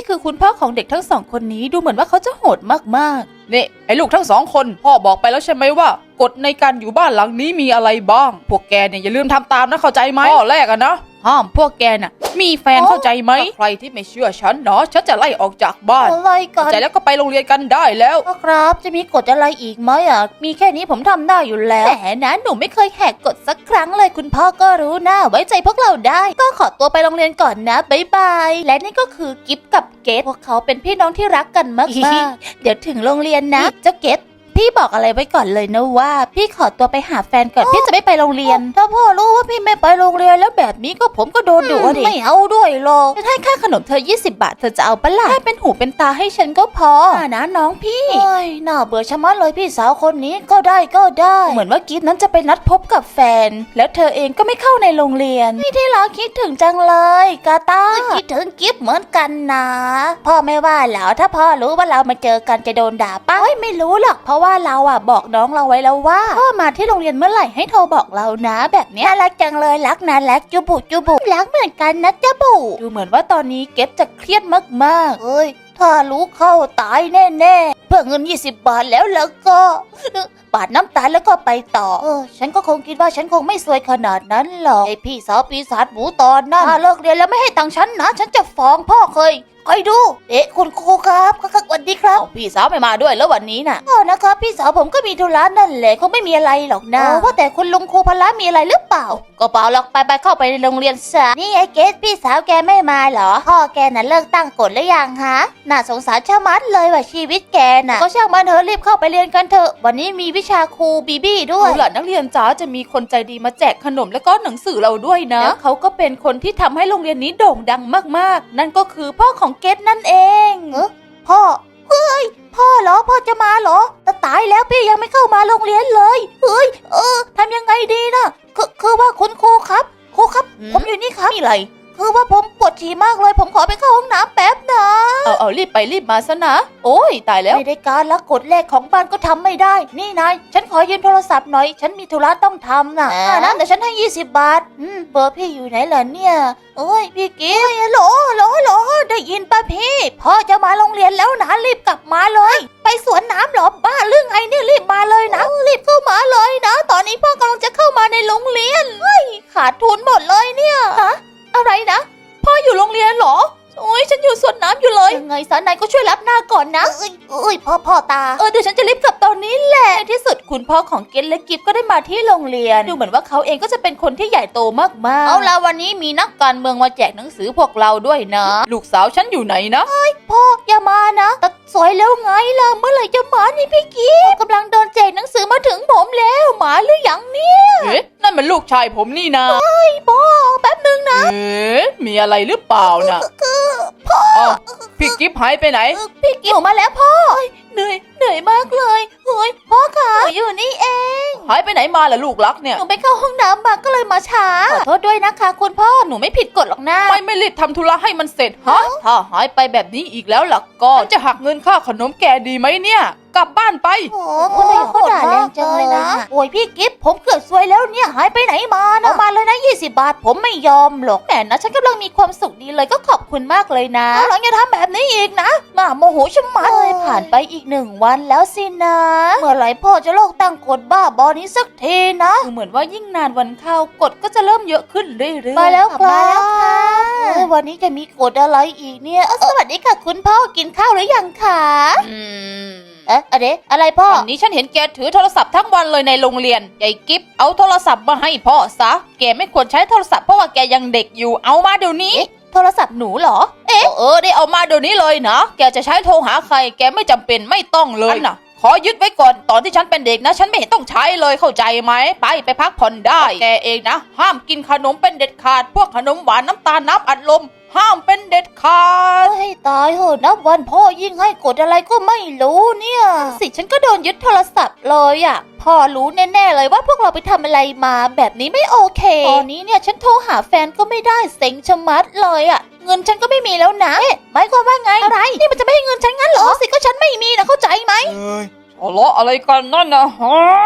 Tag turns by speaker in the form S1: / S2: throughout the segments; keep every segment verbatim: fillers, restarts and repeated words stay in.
S1: คือคุณพ่อของเด็กทั้งสองคนนี้ดูเหมือนว่าเขาจะโหดมากๆ
S2: นี่ไอ้ลูกทั้งสองคนพ่อบอกไปแล้วใช่ไหมว่ากฎในการอยู่บ้านหลังนี้มีอะไรบ้างพวกแกเนี่ยอย่าลืมทำตามนะเข้าใจไหมข้อแรกอะนะห้ามพวกแกน่ะมีแฟนเข้าใจไหมใครที่ไม่เชื่อฉันเนาะฉันจะไล่ออกจากบ้าน
S1: อะไรกั
S2: เข้าน ใจแล้วก็ไปโรงเรียนกันได้แล้ว
S1: พ่อครับจะมีกฎอะไรอีกไหมอ่ะมีแค่นี้ผมทำได้อยู่แล้วแหมนะหนูไม่เคยแหกกฎสักครั้งเลยคุณพ่อก็รู้นะไว้ใจพวกเราได้ก็ขอตัวไปโรงเรียนก่อนนะบ๊ายบายและนี่ก็คือกิฟกับเกดพวกเขาเป็นพี่น้องที่รักกันมากๆ เดี๋ยวถึงโรงเรียนนะเจ้าเกดพี่บอกอะไรไว้ก่อนเลยนะว่าพี่ขอตัวไปหาแฟนก่อนพี่จะไม่ไปโรงเรียนถ้าพ่อรู้ว่าพี่ไม่ไปโรงเรียนแล้วแบบนี้ก็ผมก็โดนดุดิไม่เอาด้วยหรอกให้ค่าขนมเธอยี่สิบบาทเธอจะเอาปะล่ะให้เป็นหูเป็นตาให้ฉันก็พอนะน้องพี่โอ้ยน่าเบื่อชะมัดเลยพี่สาวคนนี้ก็ได้ก็ได้เหมือนว่ากิฟนั้นจะไปนัดพบกับแฟนแล้วเธอเองก็ไม่เข้าในโรงเรียนพี่ที่รักคิดถึงจังเลยกาตาคิดถึงกิฟเหมือนกันนะพ่อไม่ว่าแล้วถ้าพ่อรู้ว่าเรามาเจอกันจะโดนด่าป้าไม่รู้หรอกเพราะว่าเราอะบอกน้องเราไว้แล้วว่าพ่อมาที่โรงเรียนเมื่อไหร่ให้โทรบอกเรานะแบบนี้น่ารักจังเลยรักนะรักจุบุจุบุรักเหมือนกันนะจุบุดูเหมือนว่าตอนนี้เก็บจะเครียดมากๆเอ้ยถ้ารู้เข้าตายแน่ๆเพื่อเงินยี่สิบบาทแล้วแล้วก็ปาดน้ำตาแล้วก็ไปต่อเออฉันก็คงคิดว่าฉันคงไม่ซวยขนาดนั้นหรอกไอพี่สาวปีศาจหมูตอนนั้นถ้าเลิกเรียนแล้วไม่ให้ตังค์ฉันนะฉันจะฟ้องพ่อเคยคอยดูเอ๊ะคุณครูครับสวัสดีครับพี่สาวไม่มาด้วยแล้ววันนี้น่ะอ๋อนะครับพี่สาวผมก็มีธุระนั่นแหละคงไม่มีอะไรหรอกนะว่าแต่คุณลุงครูพละมีอะไรหรือเปล่าก็เปล่าหรอกไปไปเข้าไปในโรงเรียนซะนี่ไอ้เกสพี่สาวแกไม่มาเหรอพ่อแกน่ะเลิกตั้งกฎหรือยังฮะน่าสงสารชะมัดเลยว่าชีวิตแกน่ะก็ช่างมันเถอะรีบเข้าไปเรียนกันเถอะวันนี้มีวิชาครูบีบี้ด้วยหลานนักเรียนจ๋าจะมีคนใจดีมาแจกขนมและก็หนังสือเราด้วยนะแล้วเขาก็เป็นคนที่ทำให้โรงเรียนนี้โด่งดังมากๆนั่นก็คือพ่อของเกสนั่นเองเออพ่อเฮ้ยพ่อเหรอพ่อจะมาเหรอแต่ตายแล้วพี่ยังไม่เข้ามาโรงเรียนเลยเฮ้ยเออทำยังไงดีนะคือคือว่าคุณครูครับครูครับผมอยู่นี่ครับมีอะไรคือว่าผมปวดฉี่มากเลยผมขอไปเข้าห้องน้ำแป๊บนะเอาเอารีบไปรีบมาซะนะโอ้ยตายแล้วไม่ได้การละกฎแรกของบ้านก็ทำไม่ได้นี่นายฉันขอยืมโทรศัพท์หน่อยฉันมีธุระต้องทำนะอ่านะแต่ฉันให้ยี่สิบบาทอืมเบอร์พี่อยู่ไหนล่ะเนี่ยโอ้ยพี่กิ๊ฟโหลโหลโหลได้ยินป่ะพี่พ่อจะมาโรงเรียนแล้วนะรีบกลับมาเลยไปสวนน้ำหรอบ้าเรื่องไงเนี่ยรีบมาเลยนะรีบเข้ามาเลยนะตอนนี้พ่อกำลังจะเข้ามาในโรงเรียนเฮ้ยขาดทุนหมดเลยเนี่ยฮะอะไรนะพ่ออยู่โรงเรียนเหรอโอ้ยฉันอยู่สวนน้ำอยู่เลยยังไงสานายก็ช่วยรับหน้าก่อนนะเอ้ยเอ้ยพ่อพ่อตาเออเดี๋ยวฉันจะรีบกลับตอนนี้แหละในที่สุดคุณพ่อของเกนและกิฟก็ได้มาที่โรงเรียนดูเหมือนว่าเขาเองก็จะเป็นคนที่ใหญ่โตมากๆเอาล่ะวันนี้มีนักการเมืองมาแจกหนังสือพวกเราด้วยนะลูกสาวฉันอยู่ไหนนะเฮ้ยพ่ออย่ามานะแต่สวยแล้วไงล่ะเมื่อไหร่จะมานี่พี่กิฟกำลังเดินแจกหนังสือมาถึงผมแล้วมาหรือยังเนี่ยเอ๊ะนั่นมันลูกชายผมนี่นะเฮ้ยพ่อแป๊บนึงนะเอ๊ะมีอะไรหรือเปล่านะคือพ่อพี่กิฟหายไปไหนพี่กิฟมาแล้วพ่อเหนื่อยเหนื่อยมากเลยเฮ้ยพ่อคะอยู่นี่เองหายไปไหนมาล่ะลูกรักเนี่ยหนูไปเข้าห้องน้ำมาก็เลยมาช้าขอโทษด้วยนะคะคุณพ่อหนูไม่ผิดกฎหรอกนะไม่ไม่รีบทำธุระให้มันเสร็จฮะถ้าหายไปแบบนี้อีกแล้วล่ะก็จะหักเงินค่าขนมแกดีไหมเนี่ยกลับบ้านไปโอ้คุณนายเขาด่าแรงจังเลยนะโอ้ยพี่กิฟผมเกือบซวยแล้วเนี่ยหายไปไหนมานะเอามาเลยนะยี่สิบบาทผมไม่ยอมหรอกแหมนะฉันกำลังมีความสุขดีเลยก็ขอบคุณมากเลยนะหลังอย่าทำแบบนี้อีกนะมาโมโหชะมัดเลยผ่านไปอีกหนึ่งวันแล้วสินะเมื่อไหร่พ่อจะเลิกตั้งกฎบ้าบอนี้สักทีนะเหมือนว่ายิ่งนานวันเข้ากฎก็จะเริ่มเยอะขึ้นเรื่อยๆมาแล้วครับวันนี้จะมีกฎอะไรอีกเนี่ยสวัสดีค่ะคุณพ่อกินข้าวหรือยังคะอืมเอ๊ะอะไรอะไรพ่อวันนี้ฉันเห็นแกถือโทรศัพท์ทั้งวันเลยในโรงเรียนยายกิฟเอาโทรศัพท์มาให้พ่อซะแกไม่ควรใช้โทรศัพท์เพราะว่าแกยังเด็กอยู่เอามาเดี๋ยวนี้โทรศัพท์หนูเหรอเอ๊ะเออได้เอามาเดี๋ยวนี้เลยนะแกจะใช้โทรหาใครแกไม่จำเป็นไม่ต้องเลยนะขอยึดไว้ก่อนตอนที่ฉันเป็นเด็กนะฉันไม่เห็นต้องใช้เลยเข้าใจไหมไปไปพักผ่อนได้แกเองนะห้ามกินขนมเป็นเด็ดขาดพวกขนมหวานน้ำตาลน้ำอัดลมห้ามเป็นเด็ดขาดให้ตายเหอะนับวันพ่อยิ่งให้กดอะไรก็ไม่รู้เนี่ยสิฉันก็โดนยึดโทรศัพท์เลยอ่ะพ่อรู้แน่ๆเลยว่าพวกเราไปทำอะไรมาแบบนี้ไม่โอเคตอนนี้เนี่ยฉันโทรหาแฟนก็ไม่ได้เซ็งชะมัดเลยอ่ะเงินฉันก็ไม่มีแล้วนะเอ๊ะหมายความว่าไงอะไรนี่มันจะไม่ให้เงินฉันงั้นเหรอสิก็ฉันไม่มีนะเข้าใจไหมเอ้ยทะเลาะอะไรกันนั่นนะฮะ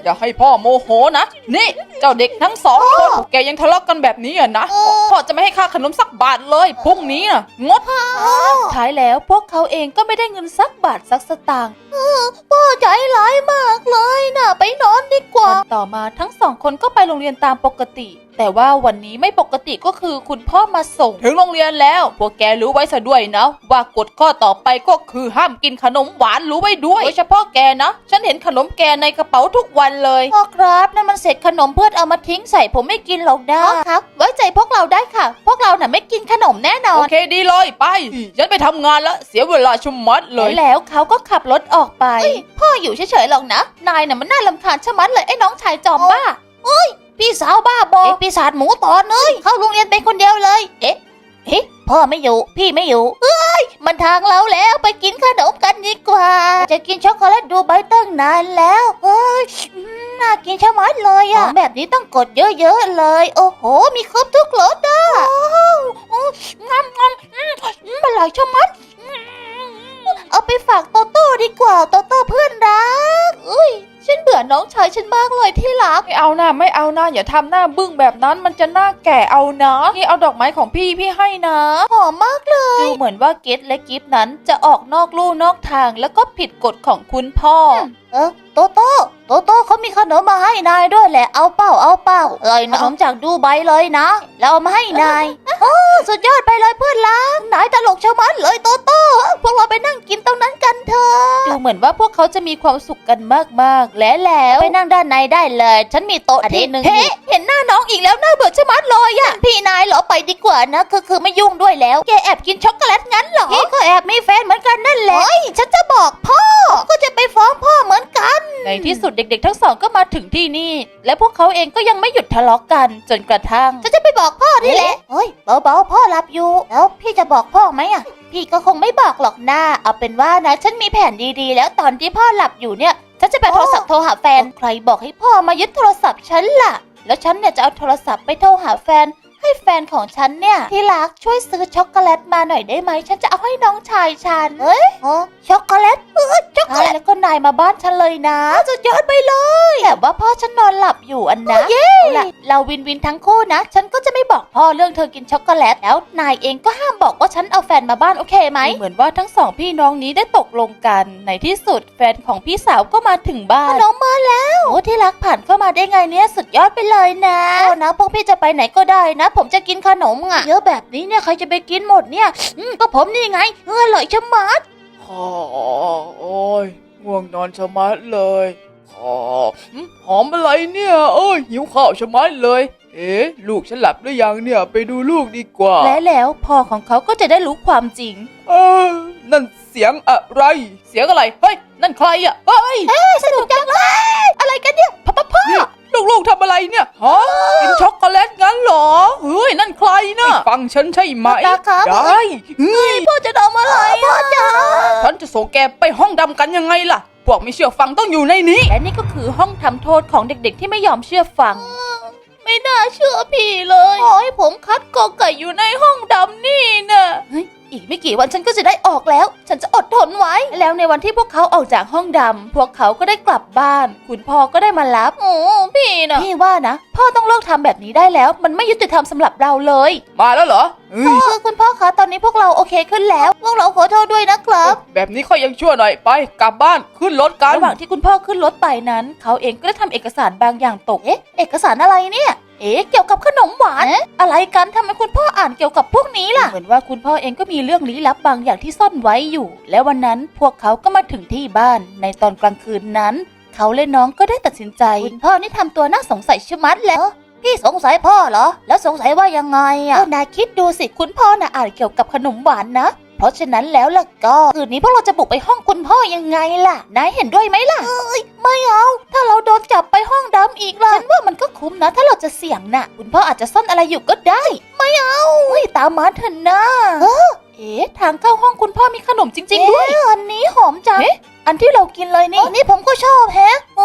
S2: อย่าให้พ่อโมโหนะนี่เจ้าเด็กทั้งสองคนพวกแกยังทะเลาะกันแบบนี้อ่ะนะพ่อจะไม่ให้ค่าขนมสักบาทเลยพรุ่งนี้น่ะงดท้ายแล้วพวกเขาเองก็ไม่ได้เงินสักบาทสักสตางค์พ่อใจร้ายมากเลยนะไปนอนดีกว่าวันต่อมาทั้งสองคนก็ไปโรงเรียนตามปกติแต่ว่าวันนี้ไม่ปกติก็คือคุณพ่อมาส่งถึงโรงเรียนแล้วพวกแกรู้ไว้ซะด้วยนะว่ากฎข้อต่อไปก็คือห้ามกินขนมหวานรู้ไว้ด้วยโดยเฉพาะแกนะฉันเห็นขนมแกในกระเป๋าทุกวันเลยพ่อครับนั่นมันเศษขนมเพื่อนเอามาทิ้งใส่ผมไม่กินหรอกนะครับไว้ใจพวกเราได้ค่ะพวกเราน่ะไม่กินขนมแน่นอนโอเคดีเลยไปฉันไปทำงานแล้วเสียเวลาชุมมัดเลยแล้วเขาก็ขับรถออกไปพ่ออยู่เฉยๆหรอกนะนายน่ะมันน่ารำคาญชะมัดเลยไอ้น้องชายจอมบ้าพี่สาวบ้าบอปีศาจหมูตอนเลยเข้าโรงเรียนเป็นคนเดียวเลยเอ๊ะเอ๊ะพ่อไม่อยู่พี่ไม่อยู่เอ้ยมันทางเราแล้วไปกินขนมกันดีกว่าจะกินช็อกโกแลตดูใบตั้งนานแล้วเอ้ยน่ากินชะมัดเลยอะแบบนี้ต้องกดเยอะๆเลยโอ้โหมีครบทุกรสอ่ะงำงำมันอร่อยชะมัดเอาไปฝากโตโต้ดีกว่าโตโต้เพื่อนรักอุ้ยฉันเบื่อน้องชายฉันมากเลยที่รักไม่เอานะไม่เอานะอย่าทำหน้าบึ้งแบบนั้นมันจะหน้าแก่เอานะนี่เอาดอกไม้ของพี่พี่ให้นะหอมมากเลยดูเหมือนว่าเกตและกิฟนั้นจะออกนอกลู่นอกทางแล้วก็ผิดกฎของคุณพ่อเออโตโต้โตโต้เขามีขนมมาให้นายด้วยแหละเอาเป้าเอาเป้าเอ้ยขนมจากดูไบเลยนะแล้วเอามาให้นายโอ้สุดยอดไปเลยเพื่อนรักนายตลกชะมัดเลยโตโต้พวกเราไปนั่งกินตรงนั้นกันเถอะดูเหมือนว่าพวกเขาจะมีความสุขกันมากๆและแล้วไปนั่งด้านในได้เลยฉันมีโต๊ะที่หนึ่งเฮ้เห็นหน้าน้องอีกแล้วน่าเบื่อชะมัดเลยอะพี่นายเหรอไปดีกว่านะคือคือไม่ยุ่งด้วยแล้วแกแอบกินช็อกโกแลตงั้นเหรอพี่ก็แอบมีแฟนเหมือนกันนั่นแหละฉันจะบอกพ่อก็จะไปฟ้องพ่อเหมือนกันในที่สุดเด็กๆทั้งสองก็มาถึงที่นี่และพวกเขาเองก็ยังไม่หยุดทะเลาะกันจนกระทั่งฉันจะไปบอกพ่อนี่แหละเฮ้ยเบาๆพ่อหลับอยู่แล้วพี่จะบอกพ่อไหมอะพี่ก็คงไม่บอกหรอกนะเอาเป็นว่านะฉันมีแผนดีๆแล้วตอนที่พ่อหลับอยู่เนี่ยฉันจะไปโทรศัพท์โทรหาแฟนใครบอกให้พ่อมายึดโทรศัพท์ฉันล่ะแล้วฉันเนี่ยจะเอาโทรศัพท์ไปโทรหาแฟนให้แฟนของฉันเนี่ยที่รักช่วยซื้อช็อกโกแลตมาหน่อยได้ไหมฉันจะเอาให้น้องชายฉันเฮ้ยอ๋อช็อกโกแลตเออช็อกโกแลตแล้วก็นายมาบ้านฉันเลยนะสุดยอดไปเลยแต่ว่าพ่อฉันนอนหลับอยู่อันนะเอาล่ะเราวินวินทั้งคู่นะฉันก็จะไม่บอกพ่อเรื่องเธอกินช็อกโกแลตแล้วนายเองก็ห้ามบอกว่าฉันเอาแฟนมาบ้านโอเคไหมเหมือนว่าทั้งสองพี่น้องนี้ได้ตกลงกันในที่สุดแฟนของพี่สาวก็มาถึงบ้านน้องมาแล้วโอ้ที่รักผ่านเข้ามาได้ไงเนี่ยสุดยอดไปเลยนะโอ้นะพวกพี่จะไปไหนก็ได้นะผมจะกินขนมอ่ะเยอะแบบนี้เนี่ยใครจะไปกินหมดเนี่ยอืมก็ผมนี่ไงเอออร่อยชะมัด
S3: อ๋อโอ้ยง่วงนอนชะมัดเลยอ๋อหอมอะไรเนี่ยเอ้ยหิวข้าวชะมัดเลยเอ๊ะลูกฉันหลับหรือยังเนี่ยไปดูลูกดีกว่า
S2: และแล้วพ่อของเขาก็จะได้รู้ความจริง
S3: เออนั่นเสียงอะไรเสียงอะไรเฮ้ยนั่นใครอ่ะเฮ้ย
S1: เอ้ยสนุกจังเลยอะไรกันเนี่ยพ่อพ่อพ่อ
S3: ลูกๆทำอะไรเนี่ยฮะกินช็อกโกแลตงั้นเหรอเฮ้ยนั่นใครนะฟังฉันใช่ไหมได้เฮ้ย
S1: พ่อจะทำอะไรพ่อจ๋า
S3: ฉันจะส่งแกไปห้องดำกันยังไงล่ะพวกไม่เชื่อฟังต้องอยู่ในนี้
S2: และนี่ก็คือห้องทำโทษของเด็กๆที่ไม่ยอมเชื่อฟัง
S1: ไม่น่าเชื่อพี่เลยขอให้ผมคัดกอไก่อยู่ในห้องดำนี่นะเฮ้ยอีกไม่กี่วันฉันก็จะได้ออกแล้วฉันจะอดทนไว้
S2: แล้วในวันที่พวกเขาออกจากห้องดำพวกเขาก็ได้กลับบ้านคุณพ่อก็ได้มารับ
S1: โอ้พี่นะ
S2: พี่ว่านะพ่อต้องเลิกทำแบบนี้ได้แล้วมันไม่ยุติธรรมสำหรับเราเลย
S3: มาแล้วเหรอ
S1: คือคุณพ่อคะตอนนี้พวกเราโอเคขึ้นแล้วพวกเราขอโทษด้วยนะครับ
S3: แบบนี้ค่อยยังชั่วหน่อยไปกลับบ้านขึ้นรถกัน
S2: ระหว่างที่คุณพ่อขึ้นรถไปนั้นเขาเองก็ได้ทำเอกสารบางอย่างตก
S1: เอ๊ะเอกสารอะไรเนี่ยเอ๊ะเกี่ยวกับขนมหวานอะไรกันทำไมคุณพ่ออ่านเกี่ยวกับพวกนี้ล่ะ
S2: เหมือนว่าคุณพ่อเองก็มีเรื่องลี้ลับบางอย่างที่ซ่อนไว้อยู่ และวันนั้นพวกเขาก็มาถึงที่บ้านในตอนกลางคืนนั้นเขาและน้องก็ได้ตัดสินใจ
S1: คุณพ่อนี่ทำตัวน่าสงสัยชะมัดแล้วพี่สงสัยพ่อเหรอแล้วสงสัยว่ายังไงอ่ะนายคิดดูสิคุณพ่อน่ะอ่านเกี่ยวกับขนมหวานนะเพราะฉะนั้นแล้วล่ะก็คืนนี้พวกเราจะบุกไปห้องคุณพ่อยังไงล่ะนายเห็นด้วยไหมล่ะเอ้ยไม่เอาถ้าเราโดนจับไปห้องดำอีกล่ะฉันว่ามันก็คุ้มนะถ้าเราจะเสี่ยงน่ะคุณพ่ออาจจะซ่อนอะไรอยู่ก็ได้ไม่เอาเฮ้ยตามมาเถอะนะเออ
S2: เอ๊ะทางเข้าห้องคุณพ่อมีขนมจริงๆด้วย
S1: อันนี้หอมจัง
S2: เอ๊ะอันที่เรากินเลยนี่
S1: อันนี้ผมก็ชอบแฮะโอ้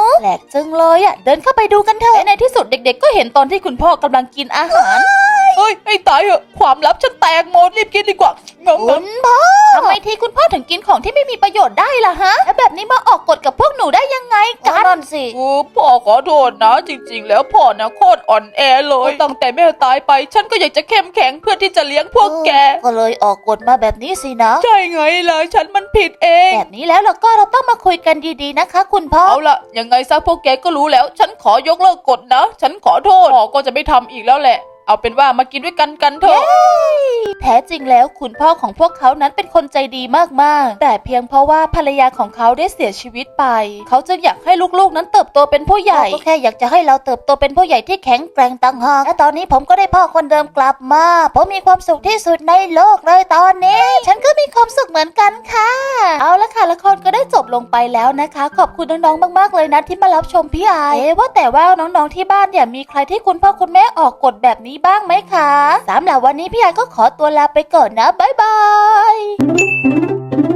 S1: แปลกจังเลยอ่ะเดินเข้าไปดูกันเถอะและในที่สุดเด็กๆก็เห็นตอนที่คุณพ่อกำลังกินอาหาร
S2: เฮ้ยไอ้ตายเหอะความลับฉันแตกหมดรีบกินดีกว่างง
S1: คุณพ่อทำไมทีคุณพ่อถึงกินของที่ไม่มีประโยชน์ได้ล่ะฮะแล้วแบบนี้มาออกกฎกับพวกหนูได้ยังไงกันนั่นสิ
S2: ๆกูพ่อขอโทษนะจริงๆ แล้วพ่อนะโคตรอ่อนแอเลยตั้งแต่แม่ตายไป ฉันก็อยากจะเข้มแข็งเพื่อที่จะเลี้ยงพวกแก
S1: ก็เลยออกกฎมาแบบนี้สินะ
S2: ใช่ไงล่ะฉันมันผิดเอง
S1: แบบนี้แล้วเราก็เราต้องมาคุยกันดีๆนะคะ คุณพ่อ
S2: เอาละยังไงซะพวกแกก็รู้แล้ว ฉันขอยกเลิกกฎนะ ฉันขอโทษพ่อก็จะไม่ทำอีกแล้วแหละ เอาเป็นว่ามากินด้วยกันกันเถอะ
S1: แท้จริงแล้วคุณพ่อของพวกเขานั้นเป็นคนใจดีมากๆแต่เพียงเพราะว่าภรรยาของเขาได้เสียชีวิตไปเขาจึงอยากให้ลูกๆนั้นเติบโตเป็นผู้ใหญ่ก็แค่อยากจะให้เราเติบโตเป็นผู้ใหญ่ที่แข็งแกร่งต่างหากและตอนนี้ผมก็ได้พ่อคนเดิมกลับมาผมมีความสุขที่สุดในโลกเลยตอนนี้ ฉันก็มีความสุขเหมือนกันค่ะเอาละค่ะละครก็ได้จบลงไปแล้วนะคะ ขอบคุณน้องๆมากๆเลยนะที่มารับชมพี่ไอเอ๊ะว่าแต่ว่าน้องๆที่บ้านเนี่ยมีใครที่คุณพ่อคุณแม่ออกกฎแบบนี้บ้างไหมคะสำหรับวันนี้พี่ไอก็ขอตัวลาไปก่อนนะบ๊ายบาย